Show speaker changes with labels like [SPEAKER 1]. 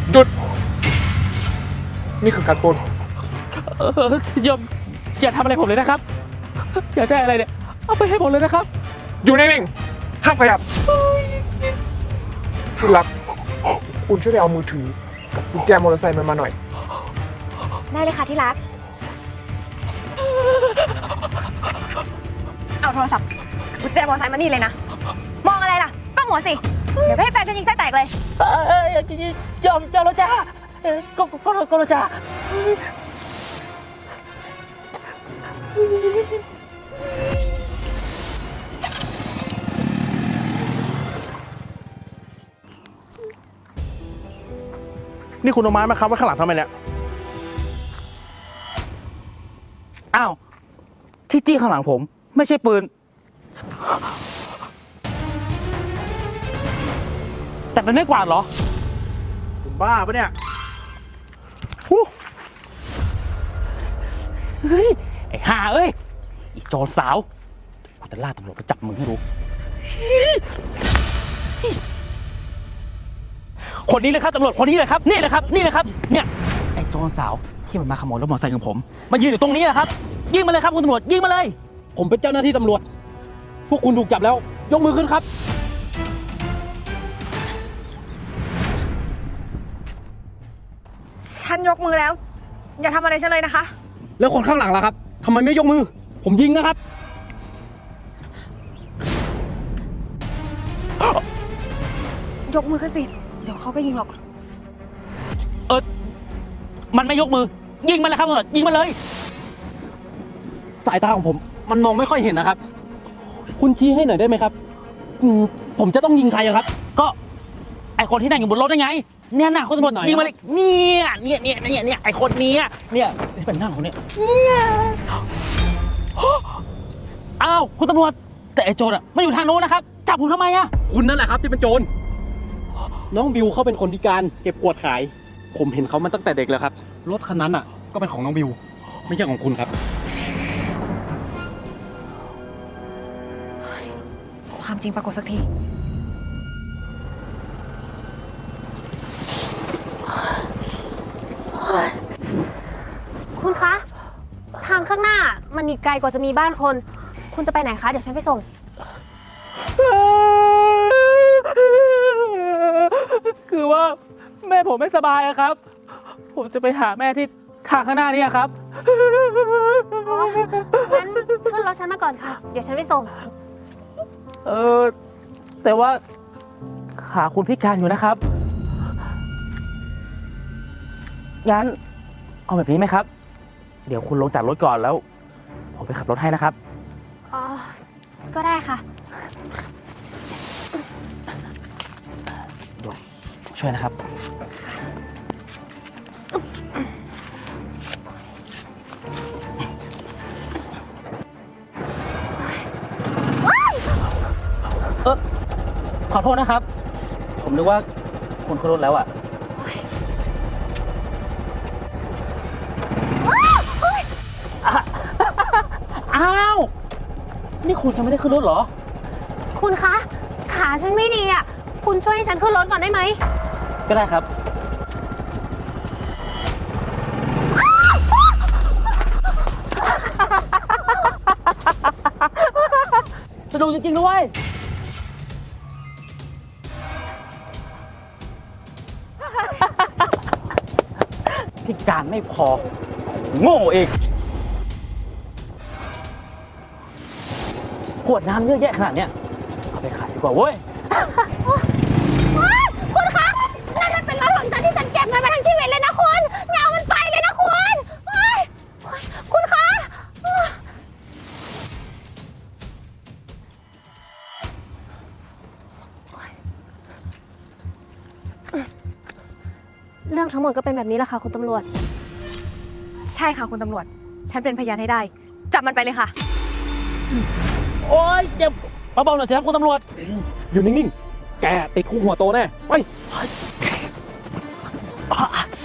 [SPEAKER 1] หยุดนี่คือการปล้น
[SPEAKER 2] โยมอย่าทำอะไรผมเลยนะครับอย่าได้อะไรเนี่ยเอาไปให้ผมเลยนะครับ
[SPEAKER 1] อยู่นิ่งๆห้ามขยับที่รักคุณช่วยไปเอามือถือกับกุญแจมอเตอร์ไซค์มันมาหน่อย
[SPEAKER 3] ได้เลยค่ะที่รักเอาโทรศัพท์กุญแจมอเตอร์ไซค์มานี่เลยนะมองอะไรล่ะก็หัวสิเดี๋ยวให้แฟนฉันยิงไส้แตกเลย
[SPEAKER 2] ยอมแล้วจ้าก็แล้วจ้า
[SPEAKER 4] นี่คุณเอาไม้มาค้ำไว้ข้างหลังทำไมเนี่ย
[SPEAKER 2] อ้าวที่จี้ข้างหลังผมไม่ใช่ปืนแต่เป็นไม้กวาดเหรอ
[SPEAKER 4] คุณบ้าปะเนี่ย
[SPEAKER 2] เฮ้ยไอ้ห่าเอ้ยอีโจรสาวกูจะล่าตำรวจไปจับมึงให้รู้คนนี้เลยครับตำรวจคนนี้เลยครับนี่เลยครับเนี่ยไอ้โจรสาวที่มันมาขโมยรถมอเตอร์ไซค์ของผมมายืนอยู่ตรงนี้แหละครับยิงมาเลยครับคุณตำรวจยิงมาเลย
[SPEAKER 4] ผมเป็นเจ้าหน้าที่ตำรวจพวกคุณถูกจับแล้วยกมือขึ้นครับ
[SPEAKER 3] ฉันยกมือแล้วอย่าทำอะไรฉันเลยนะคะ
[SPEAKER 4] แล้วคนข้างหลังล่ะครับทำไมไม่ยกมือผมยิงนะครับ
[SPEAKER 3] ยกมือขึ้นสิเดี๋ยวเขาก็ยิงหรอก
[SPEAKER 2] มันไม่ยกมือยิงมันเลยครับตำรวจยิงมันเลย
[SPEAKER 4] สายตาของผมมันมองไม่ค่อยเห็นนะครับคุณชี้ให้หน่อยได้ไหมครับผมจะต้องยิงใครครับ
[SPEAKER 2] ก็ไอคนที่นั่งอยู่บนรถได้ไงเนี่ยนะคุณตำรวจยิงมาเลยเนี่ยไอคนนี้เนี่ยเป็นหน้าของเนี่ยอ้าวคุณตำรวจแต่ไอโจรไม่อยู่ทางโน้นนะครับจับผมทำไม
[SPEAKER 4] คุณนั่นแหละครับที่เป็นโจรน้องบิวเขาเป็นคนพิการเก็บกวาดขายผมเห็นเขามาตั้งแต่เด็กแล้วครับรถคันนั้นก็เป็นของน้องบิวไม่ใช่ของคุณครับ
[SPEAKER 3] ความจริงปรากฏสักทีคุณคะทางข้างหน้ามันอีกไกลกว่าจะมีบ้านคนคุณจะไปไหนคะเดี๋ยวฉันไปส่ง
[SPEAKER 2] คือว่าแม่ผมไม่สบายครับผมจะไปหาแม่ที่ทางข้างหน้านี่ครับ
[SPEAKER 3] งั้นขึ้นรถฉันมาก่อนค่ะเดี๋ยวฉันไปส่ง
[SPEAKER 2] แต่ว่าขาคุณพิการอยู่นะครับงั้นเอาแบบนี้ไหมครับเดี๋ยวคุณลงจากรถก่อนแล้วผมไปขับรถให้นะครับ
[SPEAKER 3] อ๋อก็ได้ค่ะ
[SPEAKER 2] ช่วยนะครับขอโทษนะครับผมนึกว่าคุณขึ้นรถแล้วอ้าวนี่คุณจะไม่ได้ขึ้นรถเหรอ
[SPEAKER 3] คุณคะขาฉันไม่ดีคุณช่วยให้ฉันขึ้นรถก่อนได้ไหม
[SPEAKER 2] ก็ได้ครับสนุกจริงๆด้วยพิการไม่พอโง่เองขวดน้ำเยอะแยะขนาดเนี้ยเอาไปขายดีกว่าเว้ย
[SPEAKER 3] คุณคะนั่นมันเป็นรถของฉันที่ฉันเก็บเงินมาทั้งชีวิตเลยนะคุณอย่าเอามันไปเลยนะคุณคะเรื่องทั้งหมดก็เป็นแบบนี้แหละค่ะคุณตำรวจใช่ค่ะคุณตำรวจฉันเป็นพยานให้ได้จับมันไปเลยค่ะ
[SPEAKER 2] โอ๊ยเจ็บเบาๆหน่อยสิครับคุณตำรวจ
[SPEAKER 4] อยู่นิ่งๆแกติดคุกหัวโตแน่ไป